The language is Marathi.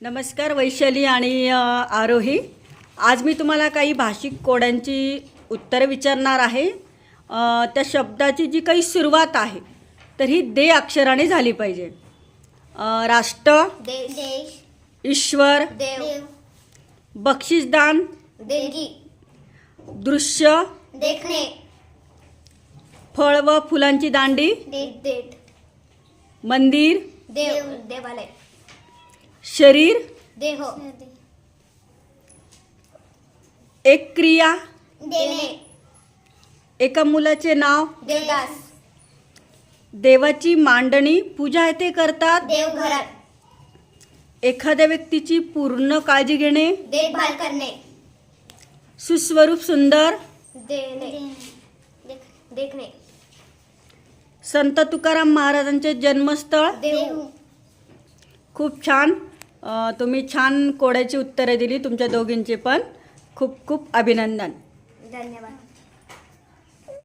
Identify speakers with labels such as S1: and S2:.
S1: नमस्कार वैशाली आणि आरोही. आज मी तुम्हाला काही भाषिक कोड्यांची उत्तरे विचारणार आहे. त्या शब्दाची जी काही सुरुवात आहे तर ही दे अक्षराने झाली पाहिजे. राष्ट्र,
S2: देश,
S1: ईश्वर,
S2: देव,
S1: बक्षीसदान,
S2: देणगी,
S1: दृश्य,
S2: देखणे,
S1: फळ व फुलांची दांडी,
S2: देठ,
S1: मंदिर,
S2: देव, देवालय,
S1: शरीर,
S2: देह,
S1: एक क्रिया,
S2: देणे,
S1: एका मुलाचे नाव,
S2: देवदास,
S1: देवाची मांडणी, पूजा येथे करतात.
S2: देवघरात,
S1: एखाद्या व्यक्तीची पूर्ण काळजी घेणे,
S2: देखभाल करणे,
S1: सुस्वरूप सुंदर,
S2: देणे, देखणे,
S1: संत तुकाराम महाराजांचे जन्मस्थळ.
S2: देव.
S1: खूप छान. तुम्ही छान कोड्याची उत्तरे दिली. तुमच्या दोघींचे पण खूप खूप अभिनंदन.
S2: धन्यवाद.